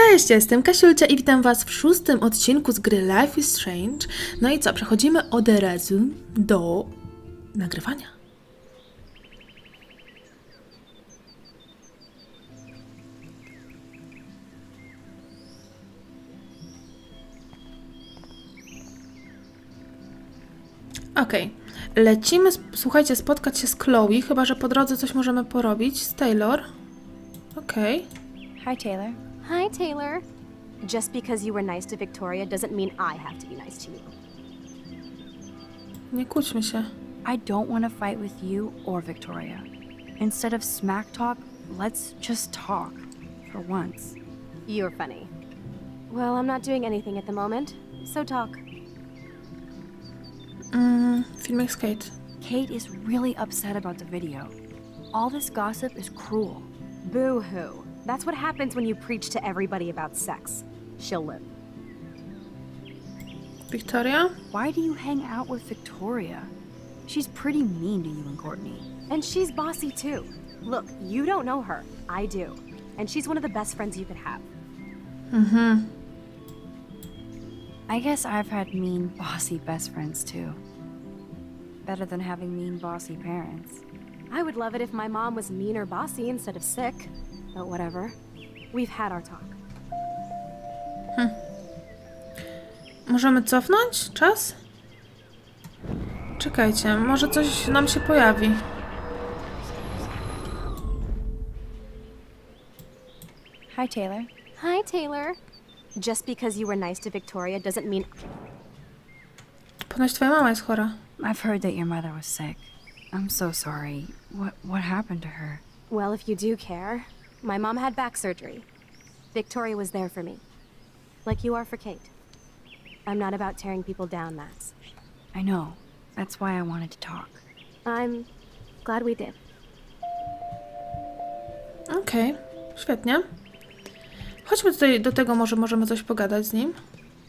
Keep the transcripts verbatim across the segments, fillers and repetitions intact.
Cześć, jestem Kasiulcia i witam Was w szóstym odcinku z gry Life is Strange. No i co, przechodzimy od razu do nagrywania. Okej, okay. Lecimy, słuchajcie, spotkać się z Chloe, chyba że po drodze coś możemy porobić. Z Taylor. Okej. Okay. Hi, Taylor. Hi, Taylor. Just because you were nice to Victoria doesn't mean I have to be nice to you. Nie kłóćmy się. I don't want to fight with you or Victoria. Instead of smack talk, let's just talk. For once. You're funny. Well, I'm not doing anything at the moment, so talk. Mm, filmik z Kate. Kate is really upset about the video. All this gossip is cruel. Boo-hoo. That's what happens when you preach to everybody about sex. She'll live. Victoria? Why do you hang out with Victoria? She's pretty mean to you and Courtney. And she's bossy too. Look, you don't know her. I do. And she's one of the best friends you could have. Mhm. I guess I've had mean, bossy best friends too. Better than having mean, bossy parents. I would love it if my mom was mean or bossy instead of sick. But whatever. We've had our talk. Hm. Możemy cofnąć czas? Czekajcie, może coś nam się pojawi. Hi, Taylor. Hi, Taylor. Just because you were nice to Victoria doesn't mean... Ponoć twoja mama jest chora. I've heard that your mother was sick. I'm so sorry. What what happened to her? Well, if you do care, my mom had back surgery. Victoria was there for me. Like you are for Kate. I'm not about tearing people down, Max. I know. That's why I wanted to talk. I'm glad we did. Okej, okay. Świetnie. Chodźmy tutaj do tego, może możemy coś pogadać z nim.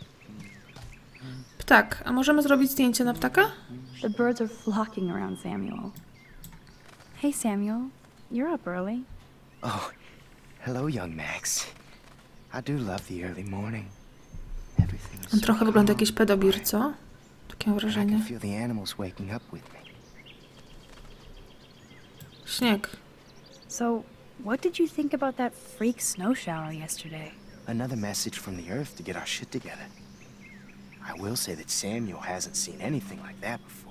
Ptak, a możemy zrobić zdjęcie na ptaka? The birds are flocking around Samuel. Hey Samuel, you're up early. Oh, hello young Max. I do love the early morning. Everything's On trochę wygląda jak jakiś pedobir, co? Takie wrażenie. I can feel the animals waking up with me. Śnieg. So, what did you think about that freak snow shower yesterday? Another message from the earth to get our shit together. I will say that Samuel hasn't seen anything like that before.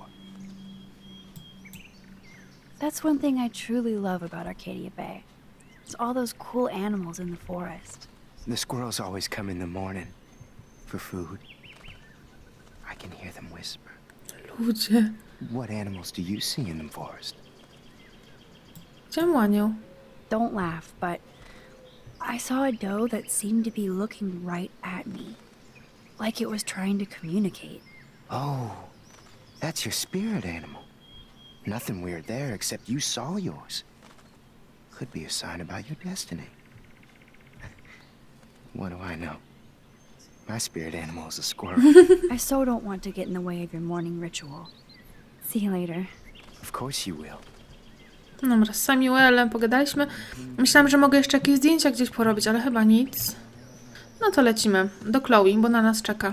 That's one thing I truly love about Arcadia Bay. It's all those cool animals in the forest. The squirrels always come in the morning for food. I can hear them whisper. Ludzie. What animals do you see in the forest? Widziałam łanią. Don't laugh, but I saw a doe that seemed to be looking right at me. Like it was trying to communicate. Oh, that's your spirit animal. Nothing weird there except you saw yours. Could be a sign about your destiny. What do I know? My spirit animal is a squirrel. I so don't want to get in the way of your morning ritual. See you later. Of course you will. Dobra, z Samuelem pogadaliśmy. Myślałam, że mogę jeszcze jakieś zdjęcia gdzieś porobić, ale chyba nic. No to lecimy do Chloe, bo na nas czeka.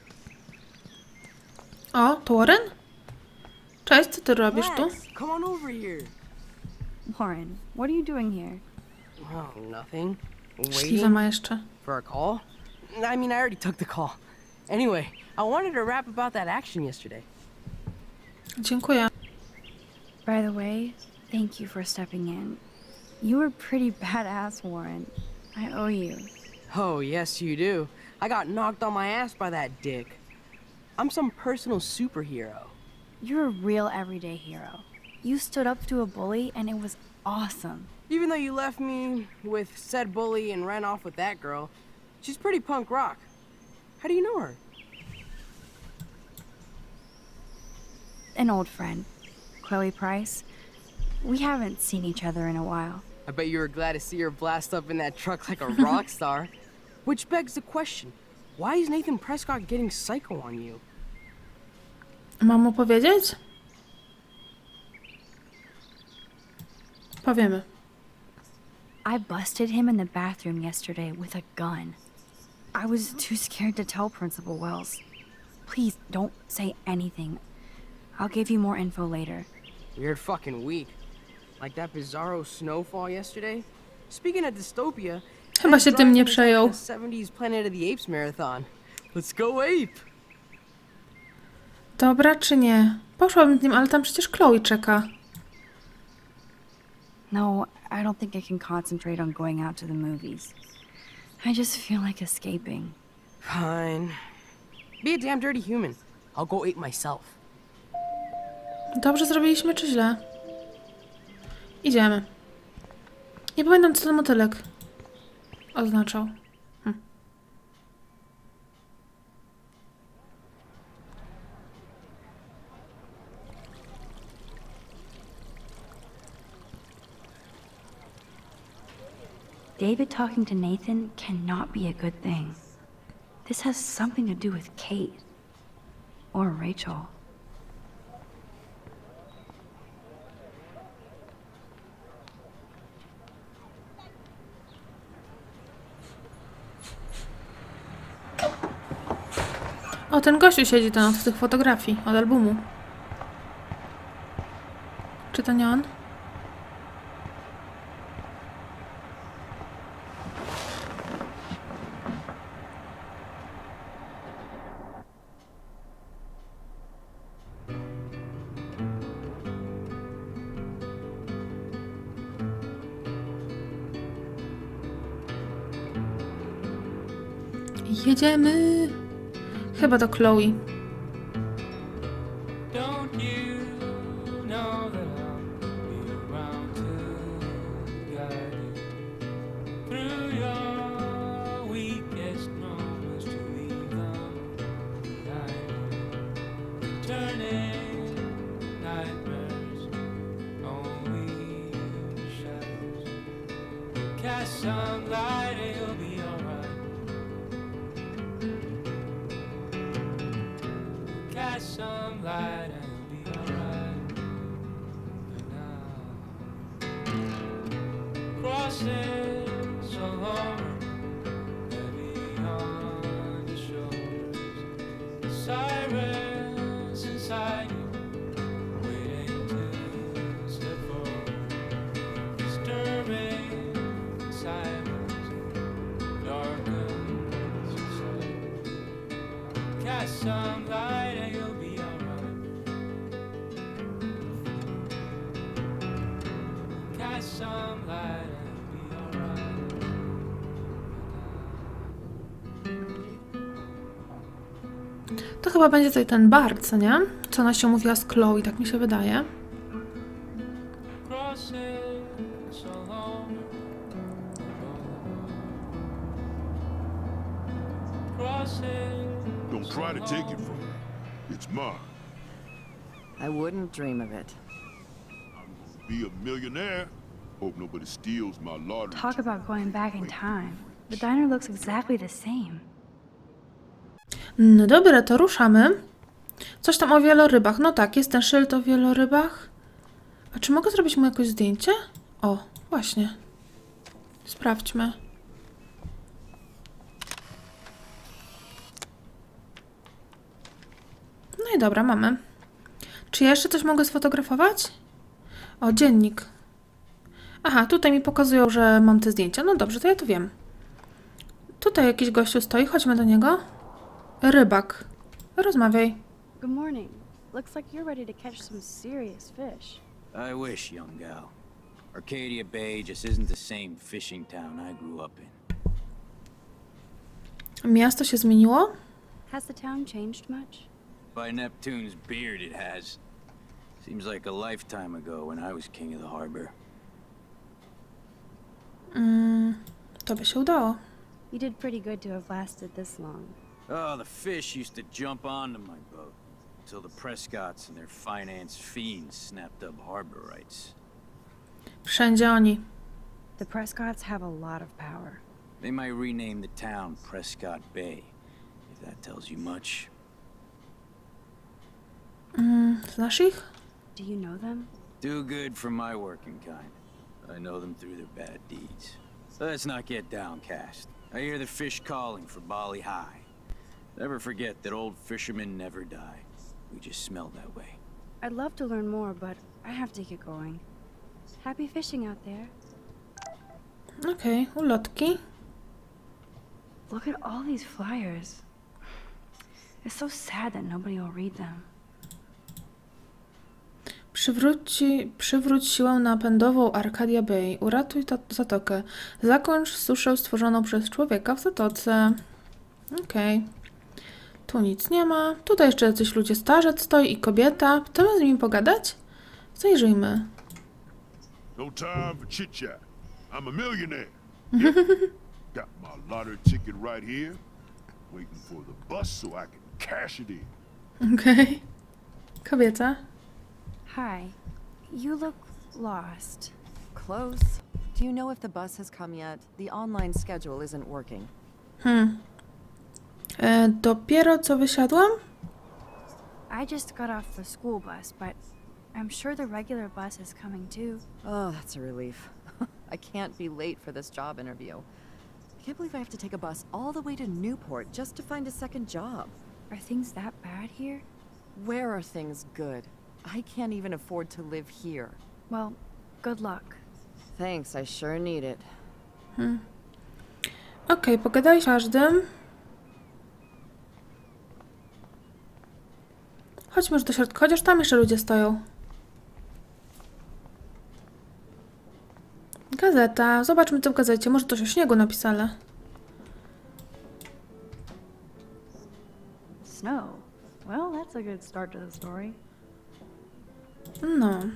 O, to Warren? Cześć, co ty robisz tu? Come on over here. Warren, what are you doing here? Oh, nothing. Śliwę ma jeszcze. For a call? I mean, I already took the call. Anyway, I wanted to rap about that action yesterday. Dziękuję. By the way, thank you for stepping in. You were pretty badass, Warren. I owe you. Oh, yes, you do. I got knocked on my ass by that dick. I'm some personal superhero. You're a real everyday hero. You stood up to a bully and it was awesome. Even though you left me with said bully and ran off with that girl, she's pretty punk rock. How do you know her? An old friend, Chloe Price. We haven't seen each other in a while. I bet you were glad to see her blast up in that truck like a rock star. Which begs the question, why is Nathan Prescott getting psycho on you? Mam mu powiedzieć? Powiemy. I busted him in the bathroom yesterday with a gun. I was too scared to tell Principal Wells. Please don't say anything. I'll give you more info later. Weird fucking week. Like that bizarro snowfall yesterday. Speaking of dystopia, Chyba się tym nie the przejął. seventies Planet of the Apes marathon. Let's go ape! Dobra czy nie? Poszłabym z nim, ale tam przecież Chloe czeka. No, I don't think I can concentrate on going out to the movies. I just feel like escaping. Fine. Be a damn dirty human. I'll go ape myself. Dobrze zrobiliśmy czy źle? Idziemy. Nie pamiętam, co ten motylek oznaczał. Hm. David talking to Nathan cannot be a good thing. This has something to do with Kate. Or Rachel. O, ten gościu siedzi tam od tych fotografii, od albumu. Czy to nie on? Jedziemy! Chyba do Chloe. Don't you know that I'll be around to guide you through your weakest moments to leave them behind you, turning nightmares only shadows. Cast some light and you'll be alright. Cast some light and you'll be alright. But now, crossing so long, heavy on your shoulders, sirens inside you, waiting to step forward, disturbing silence, darkens your sight. Cast some light and you'll be alright. Cast some light and you'll be alright. To chyba będzie tutaj ten bar, co nie? Co ona się mówiła z Chloe, tak mi się wydaje. Crossing so long. Crossing. Don't try to take it from me. It's mine. I wouldn't dream of it. I'm gonna be a millionaire. Hope nobody steals my lottery. Talk about going back in time. The diner looks exactly the same. No dobra, to ruszamy. Coś tam o wielorybach. No tak, jest ten szyld o wielorybach. A czy mogę zrobić mu jakieś zdjęcie? O, właśnie. Sprawdźmy. No i dobra, mamy. Czy ja jeszcze coś mogę sfotografować? O, dziennik. Aha, tutaj mi pokazują, że mam te zdjęcia. No dobrze, to ja to wiem. Tutaj jakiś gościu stoi, chodźmy do niego. Rybak. Rozmawiaj. Good morning. Looks like you're ready to catch some serious fish. I wish, young gal. Arcadia Bay just isn't the same fishing town I grew up in. Miasto się zmieniło? Has the town changed much? By Neptune's beard, it has. Seems like a lifetime ago when I was king of the harbor. Mm, to by się udało. You did pretty good to have lasted this long. Oh, the fish used to jump onto my boat until the Prescotts and their finance fiends snapped up harbor rights. Wszędzie oni. The Prescotts have a lot of power. They might rename the town Prescott Bay, if that tells you much. Mm, znasz ich? Do you know them? Too good for my working kind. I know them through their bad deeds. Let's not get downcast. I hear the fish calling for Bali High. Never forget that old fishermen never die. We just smell that way. I'd love to learn more, but I have to get going. Happy fishing out there. Okej, okay, ulotki. Look at all these flyers. It's so sad that nobody will read them. Przywróci, przywróć siłę napędową Arcadia Bay. Uratuj ta zatokę. Zakończ suszę stworzoną przez człowieka w zatoce. Okej. Okay. Tu nic nie ma. Tutaj jeszcze jacyś ludzie, starzec stoi i kobieta. Chcemy z nimi pogadać? Zajrzyjmy. No time for chit-chat. I'm a millionaire. Yep. Got my lottery ticket right here. Waiting for the bus so I can cash it in. Okej. Okay. Kobieta. Hi. You look lost. Close. Do you know if the bus has come yet? The online schedule isn't working. Hmm. E, dopiero co wysiadłam? I just got off the school bus, but I'm sure the regular bus is coming too. Oh, that's a relief. I can't be late for this job interview. I can't believe I have to take a bus all the way to Newport just to find a second job. Are things that bad here? Where are things good? I can't even afford to live here. Well, good luck. Thanks, I sure need it. Hmm. Okej, okay, pogadaj z każdym. Chodźmy już do środka, chociaż tam jeszcze ludzie stoją. Gazeta. Zobaczmy co w gazecie. Może coś o śniegu napisane. Snow. Well, that's a good start to the story. No.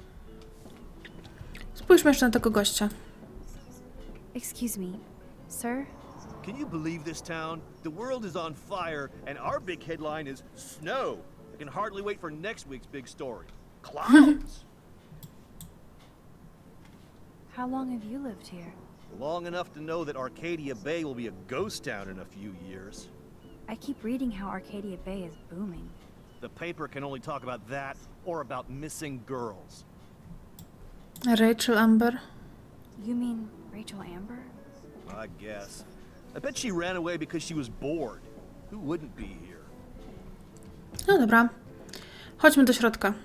Spójrzmy jeszcze na tego gościa. Excuse me, sir? Can you believe this town? The world is on fire, and our big headline is snow. I can hardly wait for next week's big story. Clouds! How long have you lived here? Long enough to know that Arcadia Bay will be a ghost town in a few years. I keep reading how Arcadia Bay is booming. The paper can only talk about that or about missing girls. Rachel Amber. You mean Rachel Amber? I guess. I bet she ran away because she was bored. Who wouldn't be here? No dobra. Chodźmy do środka.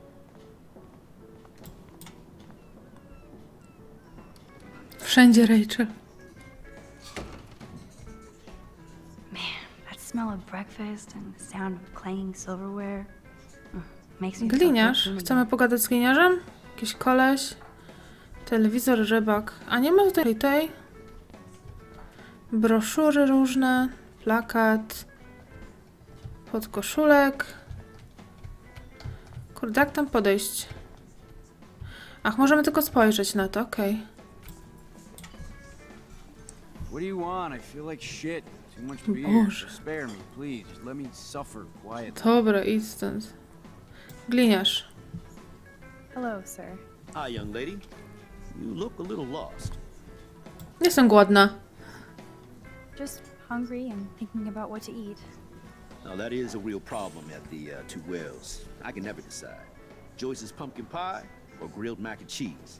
Wszędzie Rachel. Man, that smell of breakfast and the sound of clanging silverware mm, makes me feel Gliniarz. good. Chcemy pogadać z gliniarzem? Jakiś koleś. Telewizor, rybak. A nie ma tutaj tej. Broszury różne. Plakat. Podkoszulek. Kurde, jak tam podejść? Ach, możemy tylko spojrzeć na to, okej. Okay. What do you want? I feel like shit. Too much beer. Boże. Spare me, please. Just let me suffer quietly. Dobra, idź stąd. Gliniarz. Hello, sir. Hi, young lady. You look a little lost. Jestem głodna. Just hungry and thinking about what to eat. Now that is a real problem at the uh, Two Wells. I can never decide. Joyce's pumpkin pie or grilled mac and cheese.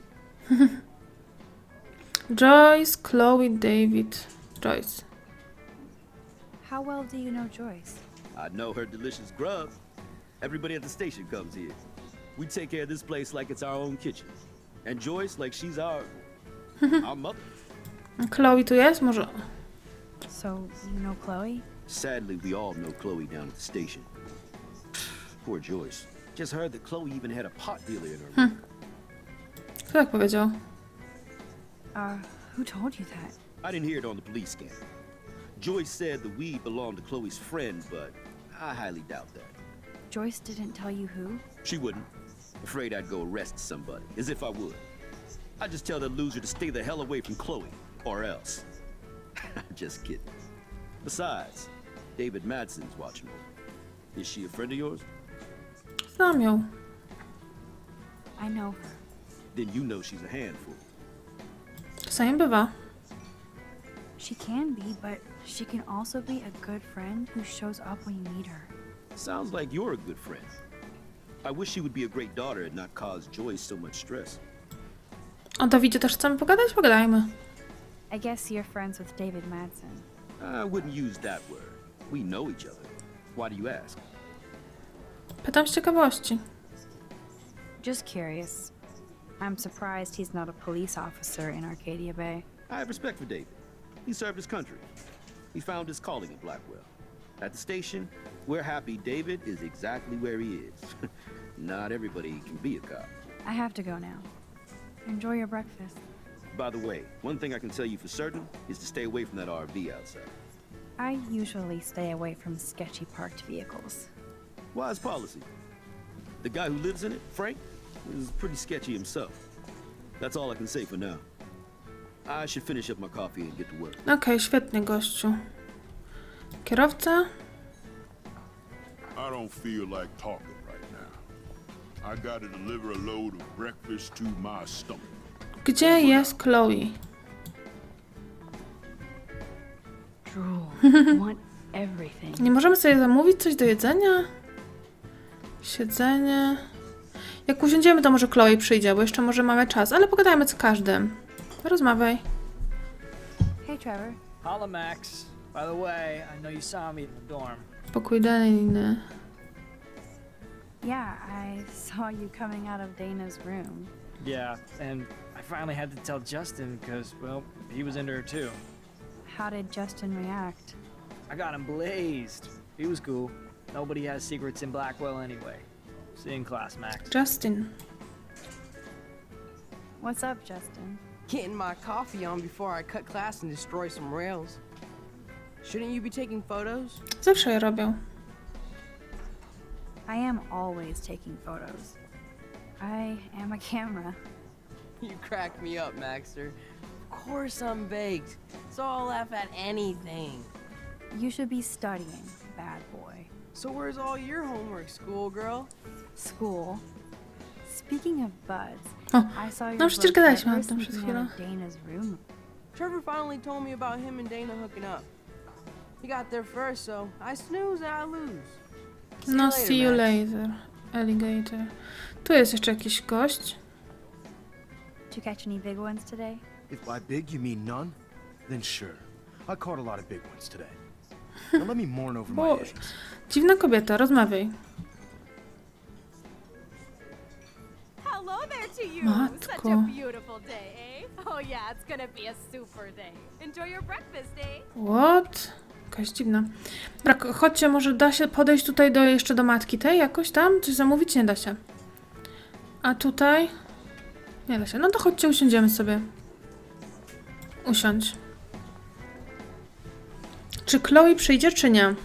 Joyce, Chloe, David. Joyce. How well do you know Joyce? I know her delicious grub. Everybody at the station comes here. We take care of this place like it's our own kitchen. And Joyce like she's our... our mother. Chloe tu jest? Może... So, you know Chloe? Sadly, we all know Chloe down at the station. Poor Joyce. Just heard that Chloe even had a pot dealer in her room. Hmm. Kto tak powiedział? Uh, who told you that? I didn't hear it on the police scanner. Joyce said the weed belonged to Chloe's friend, but I highly doubt that. Joyce didn't tell you who? She wouldn't. Afraid I'd go arrest somebody, as if I would. I'd just tell that loser to stay the hell away from Chloe, or else. Just kidding. Besides, David Madsen's watching over. Is she a friend of yours? Znam ją. I know her. Then you know she's a handful. Czasami bywa. She can be, but she can also be a good friend who shows up when you need her. Sounds like you're a good friend. I wish she would be a great daughter and not cause Joyce so much stress. O Dawidzie też chcemy pogadać? Pogadajmy. I guess you're friends with David Madsen. I wouldn't use that word. We know each other. Why do you ask? Pytam z ciekawości. Just curious. I'm surprised he's not a police officer in Arcadia Bay. I have respect for David. He served his country. He found his calling at Blackwell. At the station, we're happy David is exactly where he is. Not everybody can be a cop. I have to go now. Enjoy your breakfast. By the way, one thing I can tell you for certain is to stay away from that R V outside. I usually stay away from sketchy parked vehicles. Wise policy. The guy who lives in it, Frank, is pretty sketchy himself. That's all I can say for now. I should finish up my coffee and get to work. Okej, okay, świetnie, gościu. Kierowca? I don't feel like talking right now. I gotta deliver a load of breakfast to my stomach. Gdzie jest Chloe? Drool. Want everything. Nie możemy sobie zamówić coś do jedzenia? Siedzenie. Jak usiądziemy, to może Chloe przyjdzie, bo jeszcze może mamy czas, ale pogadajmy z każdym. Rozmawiaj. Hey, Trevor. Holla, Max. By the way, I know you saw me in the dorm. Pokój Dany. Yeah, I saw you coming out of Dana's room. Yeah, and I finally had to tell Justin because, well, he was into her too. How did Justin react? I got him blazed. He was cool. Nobody has secrets in Blackwell anyway. See you in class, Max. Justin. What's up, Justin? Getting my coffee on before I cut class and destroy some rails. Shouldn't you be taking photos? Zawsze je robią. I am always taking photos. I am a camera. You crack me up, Maxter. Of course I'm baked, so I'll laugh at anything. You should be studying, bad boy. So where's all your homework, schoolgirl? School. Speaking of buds, O, I saw your no przecież brother gadaliśmy o tym przed sleeping out chwilą. of Dana's room. Trevor finally told me about him and Dana hooking up. He got there first, so I snooze and I lose. See No, you see you Max. later, alligator. Tu jest jeszcze jakiś gość. Did you catch any big ones today? If by big you mean none, then sure. I caught a lot of big ones today. Now let me mourn over my Boże. eggs. Dziwna kobieta, rozmawiaj. Hello there to you. Matko. Such a beautiful day, eh? Oh yeah, it's gonna be a super day. Enjoy your breakfast, eh? What? Jakaś dziwna. Brak, chodźcie, może da się podejść tutaj do jeszcze do matki tej jakoś tam? Coś zamówić? Nie da się. A tutaj? Nie da się. No to chodźcie, usiądziemy sobie. Usiądź. Czy Chloe przyjdzie, czy nie?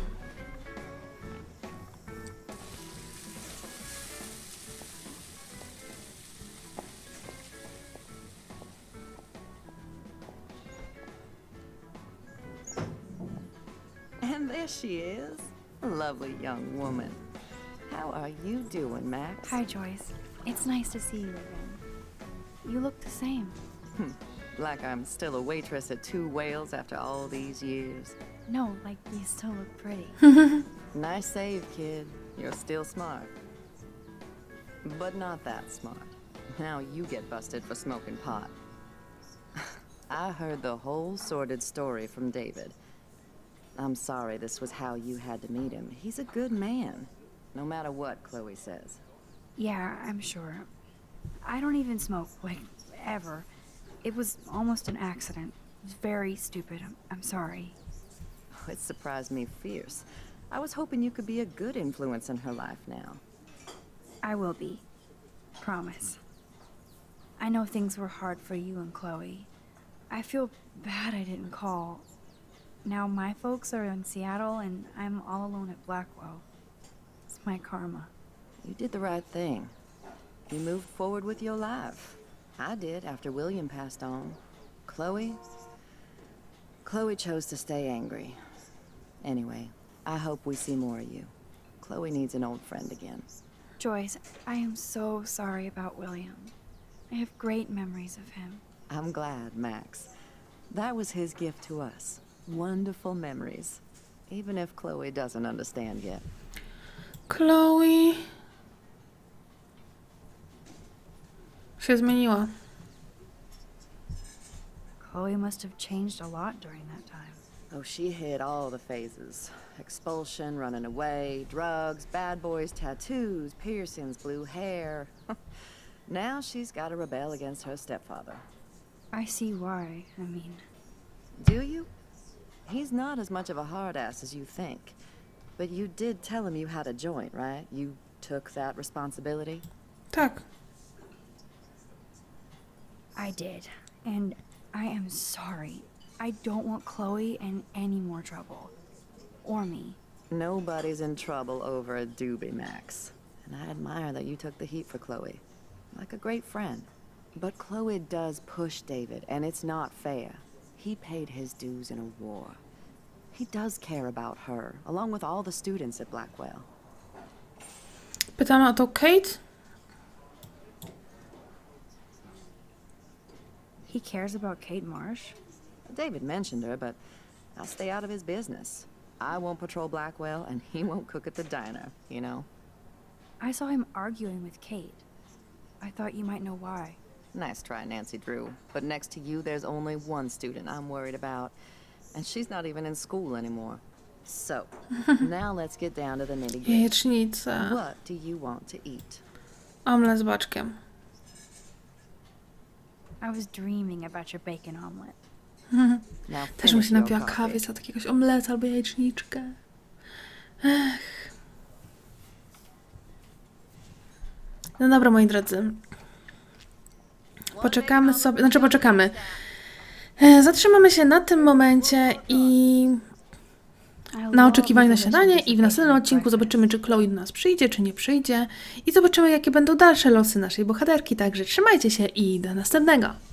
And there she is. A lovely young woman. How are you doing, Max? Hi, Joyce. It's nice to see you again. You look the same. Like I'm still a waitress at Two Whales after all these years. No, like you still look pretty. Nice save, kid. You're still smart. But not that smart. Now you get busted for smoking pot. I heard the whole sordid story from David. I'm sorry this was how you had to meet him. He's a good man, no matter what Chloe says. Yeah, I'm sure. I don't even smoke, like, ever. It was almost an accident. It was very stupid. I'm, I'm sorry. It surprised me fierce. I was hoping you could be a good influence in her life now. I will be. Promise. I know things were hard for you and Chloe. I feel bad I didn't call. Now my folks are in Seattle and I'm all alone at Blackwell. It's my karma. You did the right thing. You moved forward with your life. I did after William passed on. Chloe? Chloe chose to stay angry. Anyway, I hope we see more of you. Chloe needs an old friend again. Joyce, I am so sorry about William. I have great memories of him. I'm glad, Max. That was his gift to us. Wonderful memories. Even if Chloe doesn't understand yet. Chloe się zmieniła. Chloe must have changed a lot during that time. Oh, she hit all the phases. Expulsion, running away, drugs, bad boys, tattoos, piercings, blue hair. Now she's got to rebel against her stepfather. I see why. I mean, Do you? He's not as much of a hard ass as you think. But you did tell him you had a joint, right? You took that responsibility? Tak. I did. And I am sorry. I don't want Chloe in any more trouble. Or me. Nobody's in trouble over a doobie, Max. And I admire that you took the heat for Chloe. Like a great friend. But Chloe does push David, and it's not fair. He paid his dues in a war. He does care about her, along with all the students at Blackwell. Pytamy o to Kate. He cares about Kate Marsh? David mentioned her, but I'll stay out of his business. I won't patrol Blackwell, and he won't cook at the diner, you know? I saw him arguing with Kate. I thought you might know why. Nice try, Nancy Drew. But next to you, there's only one student I'm worried about. And she's not even in school anymore. So, now let's get down to the nitty-gritty. Jajecznica. What do you want to eat? Omlet z baczkiem. I was dreaming about your bacon omelet. Now Też bym się finish your napiła coffee. kawy za jakiegoś omleta albo jajeczniczkę. Ech. No dobra, moi drodzy. Poczekamy sobie, znaczy poczekamy. E, Zatrzymamy się na tym momencie i na oczekiwanie na śniadanie i w następnym odcinku zobaczymy, czy Chloe do nas przyjdzie, czy nie przyjdzie i zobaczymy, jakie będą dalsze losy naszej bohaterki. Także trzymajcie się i do następnego.